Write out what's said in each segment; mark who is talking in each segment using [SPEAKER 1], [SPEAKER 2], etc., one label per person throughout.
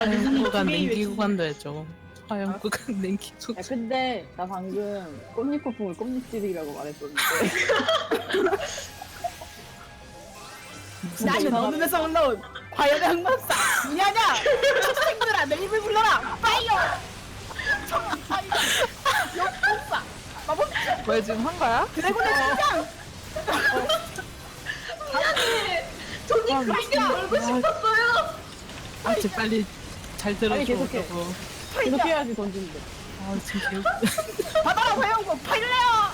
[SPEAKER 1] 화염구간 냉기구간도 해줘. 화염구간 냉기구간.
[SPEAKER 2] 야 근데 나 방금 꽃잎폭풍을 꽃잎질이라고 말했었는데
[SPEAKER 3] 나는 어둠에서 올라온 과연의 흑마사 누냐냐 초생들아 내 입을 불러라 파이어 파이어 역공사 마법사
[SPEAKER 1] 왜 지금 한 거야?
[SPEAKER 3] 드래곤의 심장
[SPEAKER 4] 저는 그렇게 놀고 싶었어요.
[SPEAKER 1] 아, 진짜 빨리 잘
[SPEAKER 2] 빨리
[SPEAKER 1] 들어줘.
[SPEAKER 2] 계속해.
[SPEAKER 1] 저거.
[SPEAKER 2] 이렇게 해야지 던지는데
[SPEAKER 1] 아, 진짜 개웃
[SPEAKER 3] 바다라 화영고 파일래요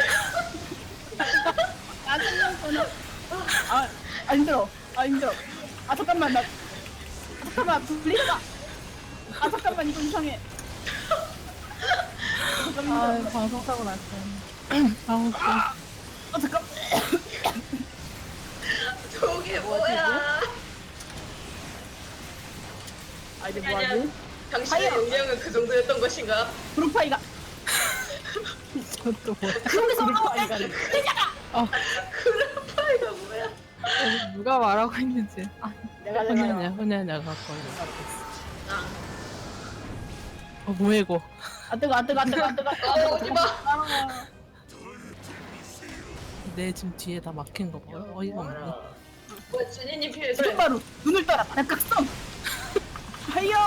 [SPEAKER 3] 나중에 아 힘들어 아 잠깐만 잠깐만 불리다 아 잠깐만 이거 이상해
[SPEAKER 1] 아, 방송 사고 났어. 아, 웃겨.
[SPEAKER 3] 아 잠깐
[SPEAKER 4] 저게 뭐야?
[SPEAKER 3] 아 이제
[SPEAKER 4] 아니야.
[SPEAKER 3] 뭐하지
[SPEAKER 4] 당신의
[SPEAKER 3] 파이어!
[SPEAKER 4] 용량은 그 정도였던 것인가?
[SPEAKER 3] 브루파이가
[SPEAKER 1] 이것도 뭐야.
[SPEAKER 3] 그쪽에서 올라온
[SPEAKER 2] 브루파이가
[SPEAKER 3] 내자가
[SPEAKER 4] 그래파이가 뭐야?
[SPEAKER 1] 누가 말하고 있는지. 아,
[SPEAKER 2] 내가
[SPEAKER 1] 혼자냐, 갖고
[SPEAKER 4] 아,
[SPEAKER 1] 뭐야, 이거.
[SPEAKER 3] 아 뜨거
[SPEAKER 4] 오지 마.
[SPEAKER 1] 내 지금 뒤에 다 막힌 거 봐요. 어이가 없네.
[SPEAKER 4] 뭐 준이님 필요해.
[SPEAKER 3] 바로 눈을 따라 바닥각성 파이어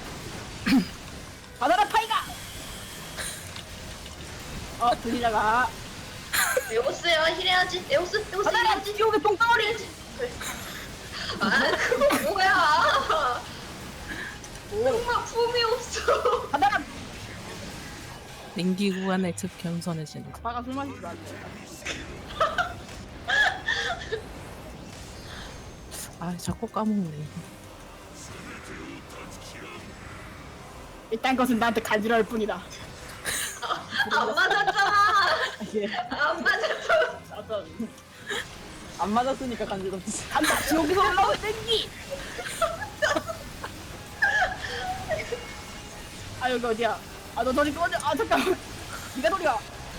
[SPEAKER 3] 바다라 파이가 들리다가
[SPEAKER 4] 에오스야 힐해야지. 에오스
[SPEAKER 3] 바다라
[SPEAKER 4] 힐해야지.
[SPEAKER 3] 지옥의 똥덩어리
[SPEAKER 4] 그래. 아 그거 뭐야? 정말 품이 없어.
[SPEAKER 3] 바다라
[SPEAKER 1] 냉기구간의 즉 겸손해진다.
[SPEAKER 3] 바가 술 마실 줄 알네
[SPEAKER 1] 아, 자꾸 까먹네.
[SPEAKER 3] 이딴 것은 나한테 간지러울 뿐이다
[SPEAKER 4] 안 맞았잖아.
[SPEAKER 2] 예.
[SPEAKER 4] 안 맞았어.
[SPEAKER 2] 나도 안 맞았으니까 간지럽지
[SPEAKER 3] 간다 지옥에서 올라온 땡기 아 여기 어디야 아 너 저리 꺼져 아 잠깐만 니가 소리야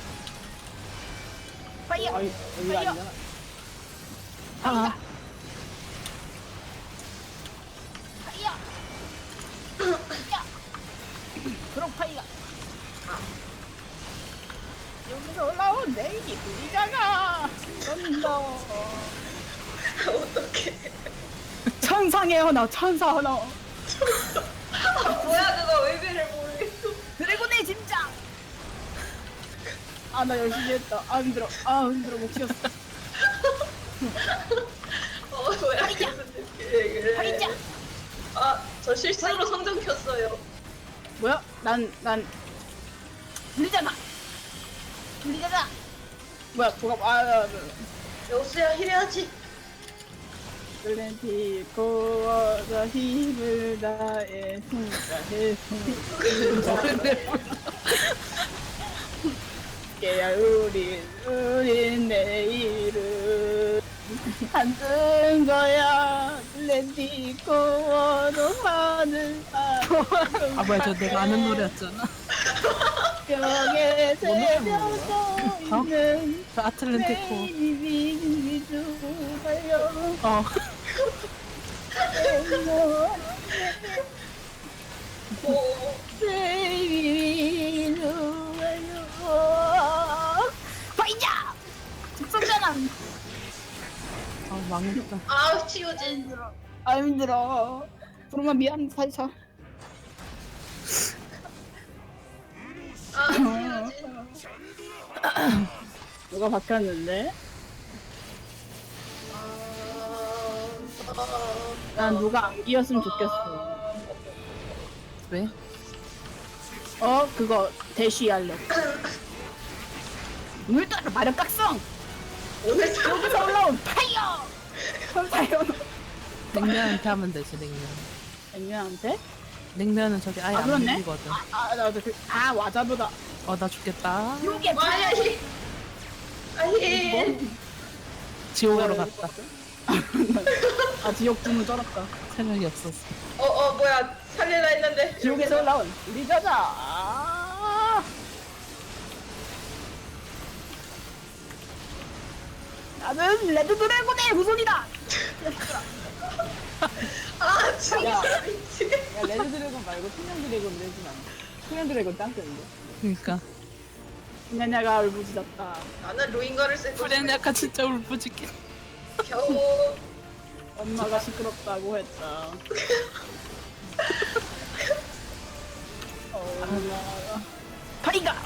[SPEAKER 3] 파이어
[SPEAKER 2] 아 여기가
[SPEAKER 3] 파이어
[SPEAKER 2] 아니잖아
[SPEAKER 1] 아,
[SPEAKER 3] 파이어 야 그럼 파이가 여기서 올라온 내기 부리자가 넌너
[SPEAKER 4] 어떡해.
[SPEAKER 3] 천상의 언어 천사 언어
[SPEAKER 4] 뭐야 그거 의미를 모르겠어.
[SPEAKER 3] 드래곤의 심장 아 나 열심히 했다 아 힘들어 못 키웠어
[SPEAKER 4] 뭐야
[SPEAKER 3] 파이자!
[SPEAKER 4] 무슨 얘기를 해.
[SPEAKER 3] 파이자!
[SPEAKER 4] 아저 실수로 성전 켰어요.
[SPEAKER 3] 뭐야 난 들리잖아 뭐야 뭐가
[SPEAKER 4] 에오스야 힐해야지.
[SPEAKER 3] 글렌티 고어서 힘을 다해 숨가해 깨야 우린 내일은 안 뜬 거야 글렌티 고어도 하늘
[SPEAKER 1] 아, 뭐야, 저 내가 아는 노래였잖아.
[SPEAKER 3] 벽에 새겨져 있는
[SPEAKER 1] 저 아틀란티코.
[SPEAKER 3] 베이비 주가요
[SPEAKER 1] 어.
[SPEAKER 3] 베이비 주가요 파이자 직선전환
[SPEAKER 1] 아, 망했다.
[SPEAKER 4] 아 치우진.
[SPEAKER 3] 힘들어 아 힘들어 부르마 미안 살짝
[SPEAKER 4] 아 치우진.
[SPEAKER 3] 누가 바뀌었는데 난 누가 안 끼었으면 좋겠어
[SPEAKER 1] 왜?
[SPEAKER 3] 그거 대쉬 할래 물 따라 마력 각성
[SPEAKER 4] 오늘
[SPEAKER 3] 여기서 올라온 파이어 천사요
[SPEAKER 1] 냉면한테 하면 되지, 냉면.
[SPEAKER 3] 액면한테?
[SPEAKER 1] 냉면은 저기 아예
[SPEAKER 3] 아
[SPEAKER 1] 안
[SPEAKER 3] 그렇네?
[SPEAKER 1] 밀리거든.
[SPEAKER 3] 나도 와자보다
[SPEAKER 1] 나 죽겠다.
[SPEAKER 3] 요게
[SPEAKER 4] 와야 힐. 힐.
[SPEAKER 1] 지옥으로 갔다.
[SPEAKER 3] 지옥 주문 쩔었다
[SPEAKER 1] 생각이 없었어.
[SPEAKER 4] 뭐야 살릴라 했는데.
[SPEAKER 3] 지옥에서 올라온 우리 자자 나는 레드 드래곤의 후손이다
[SPEAKER 4] 아 진짜
[SPEAKER 2] 야.
[SPEAKER 4] 미치.
[SPEAKER 2] 야 레드 드래곤 말고 투명 드래곤 내주면 안 돼. 투명 드래곤 짱뜬데.
[SPEAKER 1] 그니까.
[SPEAKER 3] 냐냐가 울부짖었다.
[SPEAKER 4] 나는 로잉거를 쓸 거야.
[SPEAKER 1] 프레네아카 진짜 울부짖긴.
[SPEAKER 4] 겨우.
[SPEAKER 3] 엄마가 시끄럽다고 했다. 엄마가. 파이가!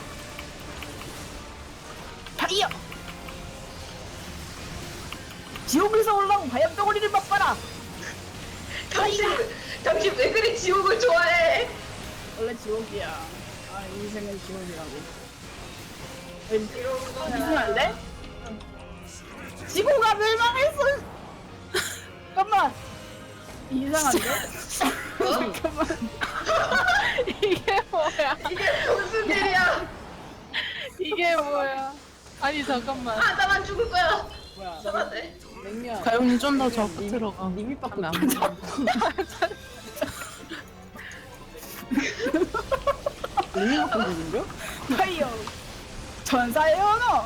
[SPEAKER 3] 파이어! 지옥에서 올라온 바람 덩어리를 맛봐라!
[SPEAKER 4] 당신 왜 그리 지옥을 좋아해?
[SPEAKER 3] 원래 지옥이야. 아, 인생은 지옥이라고.
[SPEAKER 4] 이런 거야.
[SPEAKER 3] 이상한데? 지구가 멸망했어! 잠깐만! 이상한데? 잠깐만.
[SPEAKER 1] 이게 뭐야?
[SPEAKER 4] 이게 무슨 일이야?
[SPEAKER 1] 이게 뭐야? 아니 잠깐만.
[SPEAKER 4] 아 나만 죽을 거야.
[SPEAKER 2] 뭐야?
[SPEAKER 4] 잡았네.
[SPEAKER 2] 냉면.
[SPEAKER 1] 가영님 좀 더 적극
[SPEAKER 2] 니-
[SPEAKER 1] 들어가.
[SPEAKER 2] 니 밑밖에
[SPEAKER 1] 안
[SPEAKER 2] 안
[SPEAKER 1] 돼.
[SPEAKER 2] 보여. 냉면밖에 모르는겨?
[SPEAKER 3] 파이어! 전사의 언어!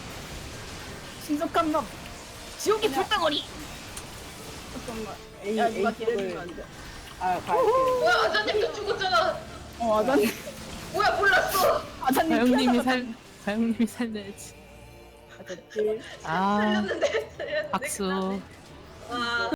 [SPEAKER 3] 신속한 놈! 지옥의 불덩어리! 잠깐만.
[SPEAKER 2] A
[SPEAKER 3] 야, 누가
[SPEAKER 2] A
[SPEAKER 3] 딜해주면
[SPEAKER 2] 쪽을
[SPEAKER 3] 안 돼.
[SPEAKER 2] 아 갈게.
[SPEAKER 4] 뭐야 아자님도 죽었잖아.
[SPEAKER 3] 아자님,
[SPEAKER 4] 뭐야 몰랐어.
[SPEAKER 3] 아자님
[SPEAKER 1] 가영님이 살려야지.
[SPEAKER 3] 아자님.
[SPEAKER 1] 아
[SPEAKER 4] 살렸는데.
[SPEAKER 1] 박수.
[SPEAKER 4] 와.